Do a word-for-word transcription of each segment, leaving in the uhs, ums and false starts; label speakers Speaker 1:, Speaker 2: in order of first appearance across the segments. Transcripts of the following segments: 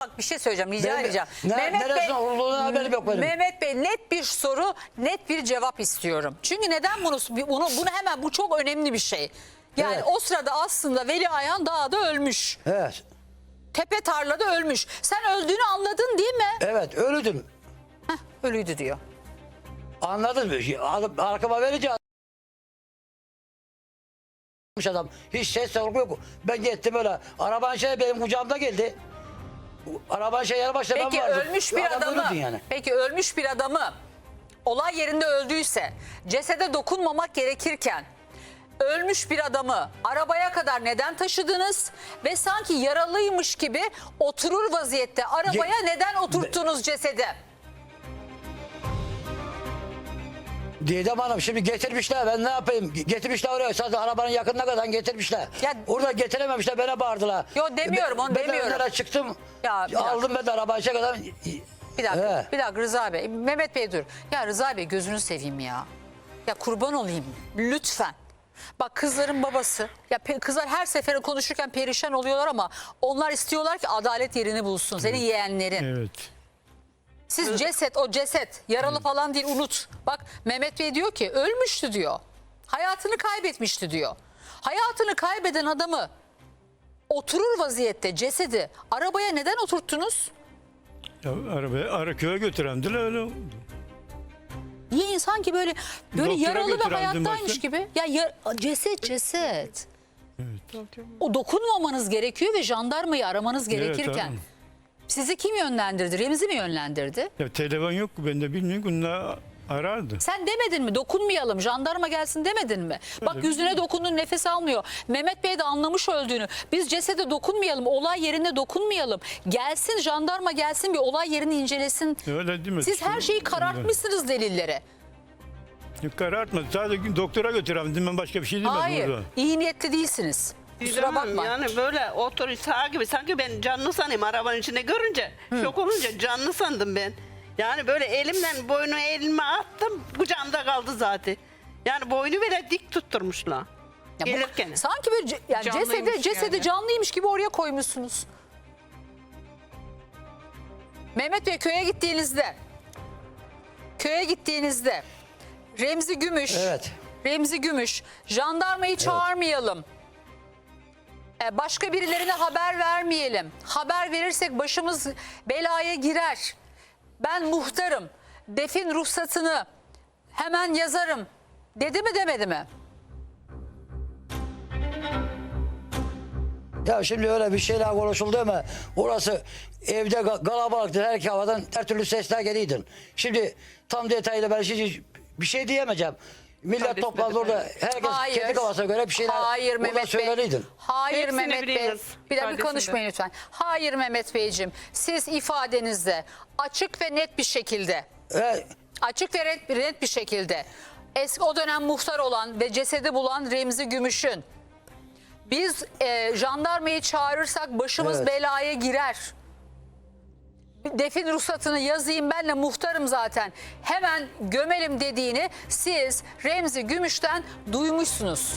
Speaker 1: Bak bir şey söyleyeceğim, rica
Speaker 2: Ben-
Speaker 1: edeceğim.
Speaker 2: ne- neresine olduğunu haberim yok benim.
Speaker 1: Mehmet Bey, net bir soru, net bir cevap istiyorum. Çünkü neden bunu bunu, bunu hemen, bu çok önemli bir şey. Yani
Speaker 2: Evet.
Speaker 1: o sırada aslında Veli Ayhan dağda ölmüş.
Speaker 2: Evet.
Speaker 1: Tepe tarlada ölmüş. Sen öldüğünü anladın değil mi?
Speaker 2: Evet ölüdüm.
Speaker 1: Heh, ölüydü diyor.
Speaker 2: Anladın mı? Alıp arkama verince adam. Hiç ses sorgu yok. Ben gittim öyle. Araban şey benim kucağımda geldi. Araban şey yanı başta ben
Speaker 1: Peki
Speaker 2: vardım.
Speaker 1: ölmüş bir
Speaker 2: Adam
Speaker 1: adamı,
Speaker 2: ölüydü yani.
Speaker 1: peki ölmüş bir adamı olay yerinde öldüyse, cesede dokunmamak gerekirken ölmüş bir adamı arabaya kadar neden taşıdınız ve sanki yaralıymış gibi oturur vaziyette arabaya
Speaker 2: Ge-
Speaker 1: neden oturttunuz cesedi?
Speaker 2: Didem Hanım şimdi getirmişler, ben ne yapayım? Getirmişler oraya, sadece arabanın yakınına kadar getirmişler.
Speaker 1: Ya-
Speaker 2: Orada getirememişler, bana bağırdılar.
Speaker 1: Yo, demiyorum, onu
Speaker 2: ben,
Speaker 1: demiyorum.
Speaker 2: Ben önlere çıktım,
Speaker 1: Ya, bir
Speaker 2: aldım ben de arabayı şey kadar.
Speaker 1: Bir dakika,
Speaker 2: He.
Speaker 1: bir dakika Rıza Bey. Mehmet Bey dur. Ya Rıza Bey, gözünü seveyim ya. Ya kurban olayım lütfen. Bak kızların babası. Ya pe- kızlar her sefere konuşurken perişan oluyorlar ama onlar istiyorlar ki adalet yerini bulsun. Senin yeğenlerin.
Speaker 3: Evet.
Speaker 1: Siz ceset, o ceset yaralı falan değil, unut. Bak Mehmet Bey diyor ki ölmüştü diyor. Hayatını kaybetmişti diyor. Hayatını kaybeden adamı oturur vaziyette cesedi arabaya neden oturttunuz?
Speaker 3: Ya arabaya Araköye götürendiler öyle oldu.
Speaker 1: Niye insan ki böyle böyle
Speaker 3: Doktora
Speaker 1: yaralı ve
Speaker 3: götürendim
Speaker 1: hayattaymış
Speaker 3: başta.
Speaker 1: gibi? Ya, ya ceset ceset. O dokunmamanız gerekiyor ve jandarmayı aramanız gerekirken.
Speaker 3: tamam.
Speaker 1: Sizi kim yönlendirdi? Remzi mi yönlendirdi?
Speaker 3: Ya telefon yok, ben de bilmiyorum. Bunlar arardı.
Speaker 1: Sen demedin mi? Dokunmayalım, jandarma gelsin demedin mi? Bak
Speaker 3: Öyle
Speaker 1: yüzüne dokundun, nefes almıyor. Mehmet Bey de anlamış öldüğünü. Biz cesede dokunmayalım, olay yerine dokunmayalım. Gelsin, jandarma gelsin, bir olay yerini incelesin.
Speaker 3: Öyle değil mi?
Speaker 1: Siz her şeyi karartmışsınız delillere.
Speaker 3: Yok, karartmadı. Sadece doktora götürendim, ben başka bir şey demedim
Speaker 1: Hayır,
Speaker 3: orada.
Speaker 1: iyi niyetli değilsiniz. Kusura
Speaker 4: Didem Hanım,
Speaker 1: bakma.
Speaker 4: yani böyle otur sağ gibi sanki ben canlı sanayım arabanın içinde görünce. Şok olunca canlı sandım ben. Yani böyle elimden boynu elime attım, kucağımda kaldı zaten. Yani boynu bile dik tutturmuşlar.
Speaker 1: Ya bu-
Speaker 4: Gelirken.
Speaker 1: sanki böyle ce- yani
Speaker 5: Canlıymış
Speaker 1: cesede, cesede
Speaker 5: yani.
Speaker 1: canlıymış gibi oraya koymuşsunuz. Mehmet Bey, köye gittiğinizde köye gittiğinizde Remzi Gümüş
Speaker 2: Evet.
Speaker 1: Remzi Gümüş jandarmayı çağırmayalım. Ee, Başka birilerine haber vermeyelim. Haber verirsek başımız belaya girer. Ben muhtarım. Defin ruhsatını hemen yazarım. Dedi mi demedi mi?
Speaker 2: Ya şimdi öyle bir şeyler konuşuldu ama orası evde ga- kalabalıktı, her havadan her türlü sesler geliydin. Şimdi tam detaylı ben şimdi bir şey diyemeyeceğim. Millet
Speaker 5: Kardeşim
Speaker 2: toplandı
Speaker 5: de
Speaker 2: orada, herkes
Speaker 1: Hayır.
Speaker 2: kendi kafasına göre bir şeyler
Speaker 1: Hayır
Speaker 2: orada
Speaker 1: Mehmet Bey.
Speaker 2: söyleriydin.
Speaker 1: Hayır
Speaker 4: Hepsini
Speaker 1: Mehmet Bey.
Speaker 4: biliyoruz.
Speaker 1: Bir dakika
Speaker 5: İfadesinde.
Speaker 1: konuşmayın lütfen. Hayır Mehmet Beyciğim. Siz ifadenizde açık ve net bir şekilde
Speaker 2: Ve
Speaker 1: açık ve net, net bir şekilde eski o dönem muhtar olan ve cesedi bulan Remzi Gümüş'ün biz e, jandarmayı çağırırsak başımız
Speaker 2: Evet.
Speaker 1: belaya girer. Defin ruhsatını yazayım, ben de muhtarım zaten, hemen gömelim dediğini siz Remzi Gümüş'ten duymuşsunuz.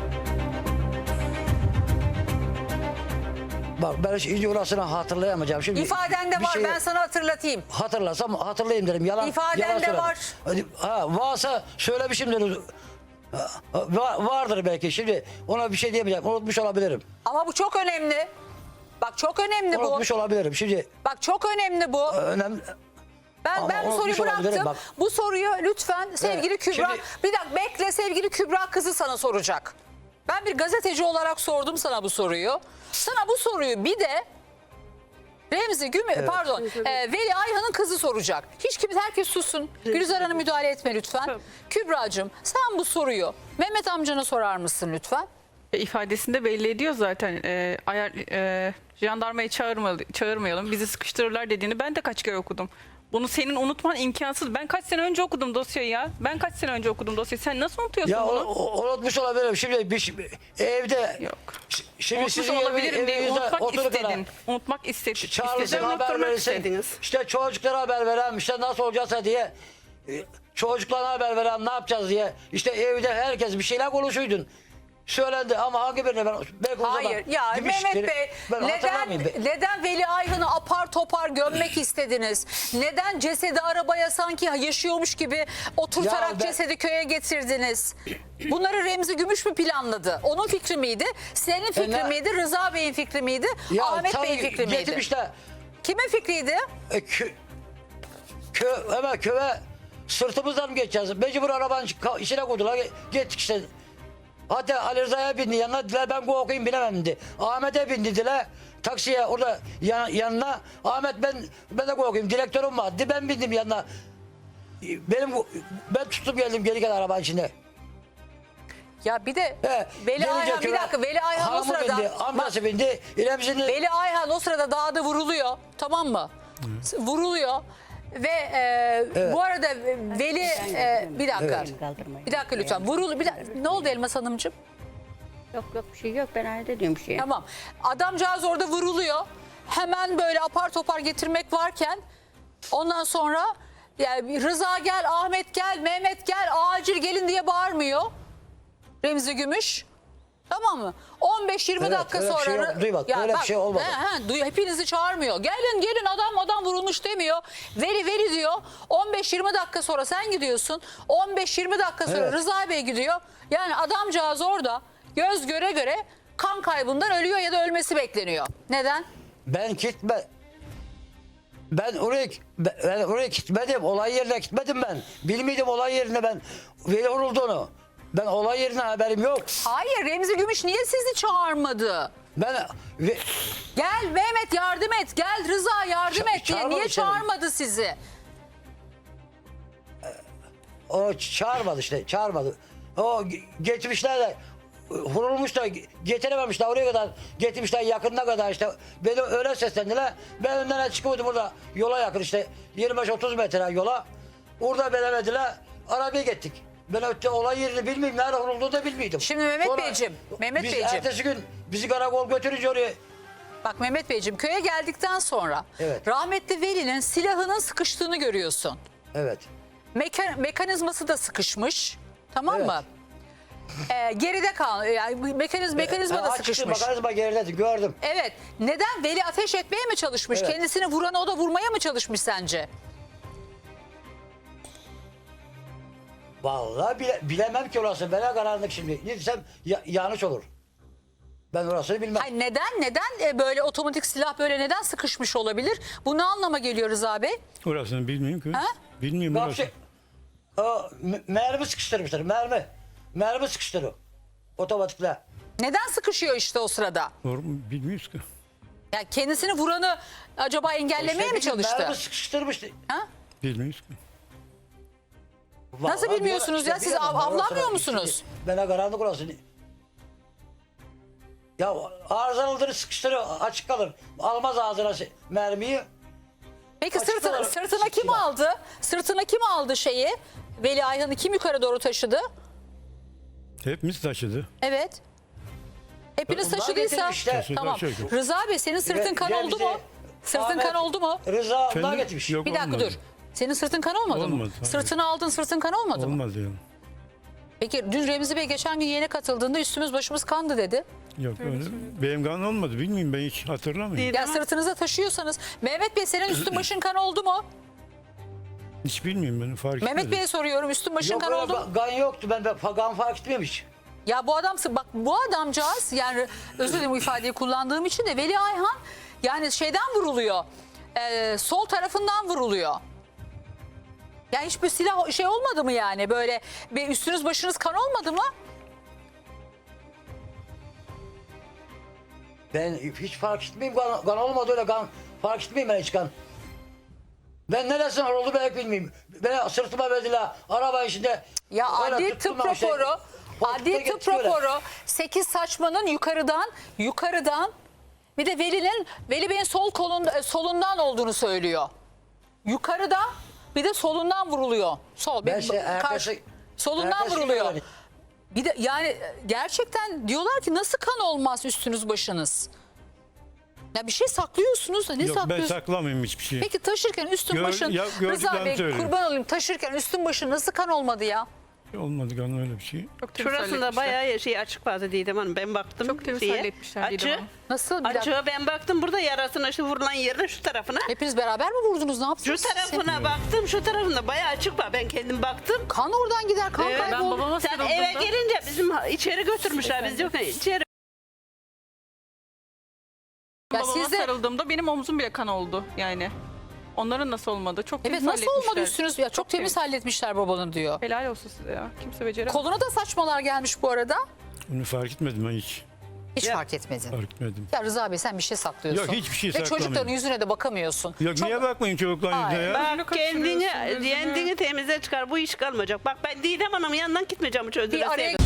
Speaker 2: bak ben hiç orasını hatırlayamayacağım. Şimdi
Speaker 1: İfadende
Speaker 2: bir
Speaker 1: var,
Speaker 2: şeyi
Speaker 1: ben sana hatırlatayım.
Speaker 2: hatırlasam hatırlayayım dedim. Yalan,
Speaker 1: İfadende
Speaker 2: yalan söyledim.
Speaker 1: var.
Speaker 2: Hadi, ha, varsa söylemişimdir. Ha, va- vardır belki. Şimdi ona bir şey diyemeyeceğim. Unutmuş olabilirim.
Speaker 1: Ama bu çok önemli. Bak çok önemli bu.
Speaker 2: Unutmuş olabilirim. Şimdi
Speaker 1: Bak çok önemli bu.
Speaker 2: önemli.
Speaker 1: Ben
Speaker 2: Ama
Speaker 1: ben bu soruyu
Speaker 2: unutmuş olabilirim,
Speaker 1: bıraktım.
Speaker 2: bak.
Speaker 1: Bu soruyu lütfen sevgili
Speaker 2: Evet,
Speaker 1: Kübra.
Speaker 2: şimdi-
Speaker 1: Bir dakika bekle, sevgili Kübra kızı sana soracak. Ben bir gazeteci olarak sordum sana bu soruyu. Sana bu soruyu bir de Remzi Gümüş, pardon, e, Veli Ayhan'ın kızı soracak. Hiç kimse, herkes sussun. Gülizar Hanım müdahale etme lütfen.
Speaker 4: Tabii.
Speaker 1: Kübra'cığım sen bu soruyu Mehmet amcana sorar mısın lütfen?
Speaker 5: E, ifadesinde belli ediyor zaten. E, ayar, e, jandarmayı çağırmayalım, çağırmayalım, bizi sıkıştırırlar dediğini ben de kaç kere okudum. Bunu senin unutman imkansız. Ben kaç sene önce okudum dosyayı ya. Ben kaç sene önce okudum dosyayı. Sen nasıl unutuyorsun
Speaker 2: Ya
Speaker 5: bunu?
Speaker 2: o- o- unutmuş olabilirim. Şimdi bir, şey- evde
Speaker 5: Yok.
Speaker 2: ş- şimdi
Speaker 5: Unutmuş
Speaker 2: sizin
Speaker 5: olabilirim
Speaker 2: evi-
Speaker 5: diye
Speaker 2: evinizde
Speaker 5: unutmak
Speaker 2: oturup
Speaker 5: istedin. Unutmak istedin.
Speaker 2: Çağrısın
Speaker 5: İstedin.
Speaker 2: haber
Speaker 4: unutturmak
Speaker 2: verirsin.
Speaker 4: istediniz.
Speaker 2: İşte çocuklara haber veren, işte nasıl olacaksa diye e, çocuklara haber veren ne yapacağız diye. İşte evde herkes bir şeyler konuşuydun. Söylendi ama hangi birine ben belki o zaman
Speaker 1: Hayır ya
Speaker 2: demiştir.
Speaker 1: Mehmet Bey
Speaker 2: Ben
Speaker 1: neden
Speaker 2: hatırlamayayım.
Speaker 1: neden Veli Ayhan'ı apar topar gömmek istediniz? Neden cesedi arabaya sanki yaşıyormuş gibi oturtarak
Speaker 2: Ya ben-
Speaker 1: cesedi köye getirdiniz? Bunları Remzi Gümüş mü planladı? Onun fikri miydi? Senin fikrin
Speaker 2: E, ne-
Speaker 1: miydi? Rıza Bey'in fikri miydi?
Speaker 2: Ya
Speaker 1: Ahmet
Speaker 2: tabii
Speaker 1: Bey'in fikri miydi?
Speaker 2: getirmişler.
Speaker 1: Kimin fikriydi?
Speaker 2: E, kö, kö, hemen köye sırtımızdan mı geçeceğiz? Mecbur arabanın ka- içine koydular. Gittik işte. Hatta Ali Rıza'ya bindi yanına. Dediler ben bu okuyayım bilemem dedi. Ahmet'e bindi dediler. Taksiye orada yan, yanına. Ahmet ben ben de okuyayım. Direktörüm var. Dedi, ben bindim yanına. Benim ben tuttum geldim geri gel arabanın içine.
Speaker 1: Ya bir de
Speaker 2: He,
Speaker 1: Veli
Speaker 2: gelince
Speaker 1: Ayhan bir
Speaker 2: köye
Speaker 1: dakika Veli Ayhan o
Speaker 2: hanımı
Speaker 1: sırada
Speaker 2: bindi, amcası bindi. İremzi'nin
Speaker 1: Veli Ayhan o sırada dağda vuruluyor. Tamam mı? Vuruluyor. Ve e, bu arada Veli e, bir dakika. Bir dakika lütfen. Vurul bir dakika. Ne oldu Elmas Hanımcığım?
Speaker 6: Yok yok bir şey yok, ben aile diyorum bir şey.
Speaker 1: Tamam. Adamcağız orada vuruluyor. Hemen böyle apar topar getirmek varken ondan sonra yani Rıza gel, Ahmet gel, Mehmet gel, acil gelin diye bağırmıyor. Remzi Gümüş. Tamam mı? on beş yirmi
Speaker 2: Evet,
Speaker 1: dakika
Speaker 2: öyle bir
Speaker 1: sonra
Speaker 2: şey yok. Duy bak, öyle bir şey olmadı.
Speaker 1: He, he, duy- hepinizi çağırmıyor. Gelin gelin adam adam vurulmuş demiyor. Veli veli diyor. on beş yirmi dakika sonra sen gidiyorsun. on beş yirmi dakika sonra
Speaker 2: Evet.
Speaker 1: Rıza Bey gidiyor. Yani adamcağız orada göz göre göre kan kaybından ölüyor ya da ölmesi bekleniyor. Neden?
Speaker 2: ben gitme. Ben oraya ben oraya gitmedim. Olay yerine gitmedim ben. Bilmiyordum olay yerine ben. Veli vurulduğunu. Ben olay yerine haberim yok.
Speaker 1: Hayır Remzi Gümüş niye sizi çağırmadı?
Speaker 2: Ben ve,
Speaker 1: Gel Mehmet yardım et. Gel Rıza yardım
Speaker 2: Ça-
Speaker 1: et diye.
Speaker 2: çağırmadı
Speaker 1: Niye
Speaker 2: seni.
Speaker 1: çağırmadı sizi?
Speaker 2: o çağırmadı işte. Çağırmadı. O ge- getirmişler de vurulmuş da getirememişler oraya kadar getirmişler yakınına kadar işte beni öyle seslendiler ben önden çıkıyordum burada yola yakın işte yirmi beş otuz metre yola orada veremediler arabaya gittik ben öte olay yerini bilmiyorum nerede vurulduğunu da bilmiyordum.
Speaker 1: Şimdi Mehmet Beyciğim, Mehmet
Speaker 2: biz
Speaker 1: Beyciğim.
Speaker 2: ertesi gün bizi karakol götürünce oraya
Speaker 1: Bak Mehmet Beyciğim köye geldikten sonra
Speaker 2: Evet.
Speaker 1: rahmetli Veli'nin silahının sıkıştığını görüyorsun.
Speaker 2: evet
Speaker 1: Meka- mekanizması da sıkışmış. Tamam
Speaker 2: Evet.
Speaker 1: mı? Ee, geride kal. Yani mekaniz mekanizma da
Speaker 2: Ha, açtım,
Speaker 1: sıkışmış.
Speaker 2: mekanizma geriledi gördüm.
Speaker 1: Evet. Neden? Veli ateş etmeye mi çalışmış?
Speaker 2: Evet.
Speaker 1: Kendisini vuranı o da vurmaya mı çalışmış sence?
Speaker 2: Vallahi bile, bilemem ki orası. Ben karanlık şimdi. Ne desem ya- yanlış olur. Ben orasını bilmem.
Speaker 1: Hayır, neden? Neden e, böyle otomatik silah böyle neden sıkışmış olabilir? Bu ne anlama geliyor Rıza Bey?
Speaker 3: Orasını bilmiyorum ki.
Speaker 1: Ha?
Speaker 3: Bilmiyorum
Speaker 2: Bak
Speaker 3: orası.
Speaker 2: şey, o, m- mermi sıkıştırmışlar. Mermi. Mermi sıkıştırıyor. Otomatikle.
Speaker 1: Neden sıkışıyor işte o sırada?
Speaker 3: Doğru mu? Bilmiyoruz ki.
Speaker 1: Yani kendisini vuranı acaba engellemeye
Speaker 2: İşte
Speaker 1: mi
Speaker 2: bir gün
Speaker 1: çalıştı?
Speaker 2: Mermi sıkıştırmıştı.
Speaker 1: Ha?
Speaker 3: Bilmiyoruz ki.
Speaker 1: Nasıl
Speaker 2: Vallahi
Speaker 1: bilmiyorsunuz
Speaker 2: bilemem.
Speaker 1: ya? Siz
Speaker 2: bilemem
Speaker 1: av-
Speaker 2: ben
Speaker 1: avlanmıyor
Speaker 2: orasını.
Speaker 1: musunuz?
Speaker 2: Bana karanlık orası. Ya arızalıdır sıkıştırıyor. Açık kalır. Almaz ağzına se- mermiyi.
Speaker 1: Peki
Speaker 2: Açık
Speaker 1: sırtına,
Speaker 2: olarak
Speaker 1: sırtına kim
Speaker 2: silah.
Speaker 1: aldı? Sırtına kim aldı şeyi? Veli Ayhan'ı kim yukarı doğru taşıdı?
Speaker 3: Hepimiz taşıdı.
Speaker 1: Evet. Hepiniz
Speaker 2: Bunlar
Speaker 1: taşıdıysa
Speaker 2: getirmişler.
Speaker 3: Taşıdı,
Speaker 1: tamam.
Speaker 3: taşıdı.
Speaker 1: Rıza Bey senin sırtın kan oldu
Speaker 2: Remzi,
Speaker 1: mu? Sırtın
Speaker 2: Ahmet,
Speaker 1: kan oldu mu?
Speaker 2: Rıza onlar
Speaker 3: Efendim?
Speaker 2: getirmiş.
Speaker 3: Yok,
Speaker 1: Bir dakika
Speaker 3: olmadı.
Speaker 1: dur. Senin sırtın kan olmadı mı?
Speaker 3: Olmadı, hayır.
Speaker 1: Sırtını aldın sırtın kan olmadı mı?
Speaker 3: Olmaz yani.
Speaker 1: Peki dün Remzi Bey geçen gün yayına katıldığında üstümüz başımız kandı dedi.
Speaker 3: Yok öyle. Benim kan olmadı. Bilmiyorum ben hiç hatırlamıyorum.
Speaker 4: Değil.
Speaker 1: Ya
Speaker 4: Ama-
Speaker 1: sırtınıza taşıyorsanız Mehmet Bey senin üstün başın kan oldu mu?
Speaker 3: Hiç bilmiyorum ben fark
Speaker 1: Mehmet
Speaker 3: etmedim.
Speaker 1: Bey'e soruyorum üstün başın
Speaker 2: Yok
Speaker 1: kan
Speaker 2: öyle
Speaker 1: oldu mu?
Speaker 2: ga- gan yoktu. Ben, ben gan fark etmemiş.
Speaker 1: Ya bu adam bak bu adamcağız yani özür dilerim bu ifadeyi kullandığım için de Veli Ayhan yani şeyden vuruluyor. Ee, sol tarafından vuruluyor. Yani hiçbir silah şey olmadı mı yani böyle bir üstünüz başınız kan olmadı mı?
Speaker 2: Ben hiç fark etmeyeyim. Gan, gan olmadı öyle gan. Fark etmeyeyim ben hiç gan. Ben neresinden oldu ben bilmiyorum. Beni sırtıma verdiler. Araba içinde.
Speaker 1: Ya
Speaker 2: öyle
Speaker 1: adli
Speaker 2: tuttum
Speaker 1: tıp
Speaker 2: ben işte.
Speaker 1: raporu,
Speaker 2: Koltukta
Speaker 1: adli tıp
Speaker 2: geçti böyle.
Speaker 1: raporu sekiz saçmanın yukarıdan yukarıdan bir de Veli'nin Veli Bey'in sol kolunda solundan olduğunu söylüyor. Yukarıda bir de solundan vuruluyor. Sol
Speaker 2: Ben
Speaker 1: bir-
Speaker 2: şey,
Speaker 1: karşı-
Speaker 2: ertesi-
Speaker 1: solundan
Speaker 2: ertesi gün
Speaker 1: vuruluyor.
Speaker 2: öğrendim.
Speaker 1: Bir de yani gerçekten diyorlar ki nasıl kan olmaz üstünüz başınız? Ya bir şey saklıyorsunuz da ne
Speaker 3: Yok ben
Speaker 1: saklıyorsunuz?
Speaker 3: saklamıyorum hiçbir şey.
Speaker 1: Peki taşırken üstün
Speaker 3: Gör-
Speaker 1: başın
Speaker 3: ya-
Speaker 1: Rıza
Speaker 3: gördüklerimi
Speaker 1: Bey
Speaker 3: söylüyorum.
Speaker 1: kurban olayım taşırken üstün başın nasıl kan olmadı ya?
Speaker 3: Olmadı galiba öyle bir şey.
Speaker 5: Çok temiz
Speaker 4: Şurasında
Speaker 5: halletmişler.
Speaker 4: bayağı şey açık vardı Didem Hanım. Ben baktım.
Speaker 5: Çok temiz
Speaker 4: şeye.
Speaker 5: halletmişler Didem
Speaker 4: Açığı,
Speaker 5: Hanım.
Speaker 1: Nasıl? Bir dakika.
Speaker 4: açığı ben baktım burada yarasına şu vurulan yerine şu tarafına.
Speaker 1: Hepiniz beraber mi vurdunuz? Ne
Speaker 4: Şu
Speaker 1: yaptınız?
Speaker 4: tarafına baktım şu tarafında bayağı açık var. Ben kendim baktım.
Speaker 1: Kan oradan gider. Kan
Speaker 4: Evet,
Speaker 5: Ben
Speaker 1: kaybolur.
Speaker 5: babama
Speaker 4: Sen
Speaker 5: sarıldığımda...
Speaker 4: eve gelince bizim içeri götürmüşler. Biz yok içeri.
Speaker 1: Ya
Speaker 5: babama
Speaker 1: siz de-
Speaker 5: sarıldığımda benim omzum bile kan oldu yani. Onların nasıl olmadı? Çok
Speaker 1: Evet
Speaker 5: temiz
Speaker 1: nasıl
Speaker 5: halletmişler.
Speaker 1: olmadı üstünüz? Ya çok temiz halletmişler babanı diyor.
Speaker 5: Helal olsun size ya. Kimse beceremez.
Speaker 1: Koluna da saçmalar gelmiş bu arada.
Speaker 3: Onu fark etmedim ben hiç.
Speaker 1: Hiç
Speaker 4: Ya.
Speaker 1: fark etmedin.
Speaker 3: Fark etmedim.
Speaker 1: Ya Rıza Bey sen bir şey saklıyorsun.
Speaker 3: Yok, hiçbir şey
Speaker 1: Ve
Speaker 3: saklamıyorum.
Speaker 1: çocukların yüzüne de bakamıyorsun.
Speaker 3: Yok
Speaker 1: Çok-
Speaker 3: niye bakmayın çocukların yüzüne ya?
Speaker 4: Bak
Speaker 5: Yüzünü
Speaker 4: kendini,
Speaker 5: kaçırıyorsun, yüzünü.
Speaker 4: kendini temize çıkar. Bu iş kalmayacak. Bak ben Didem Hanım'ın yanından gitmeyeceğim hiç özür
Speaker 1: Bir araya
Speaker 4: dileseydim.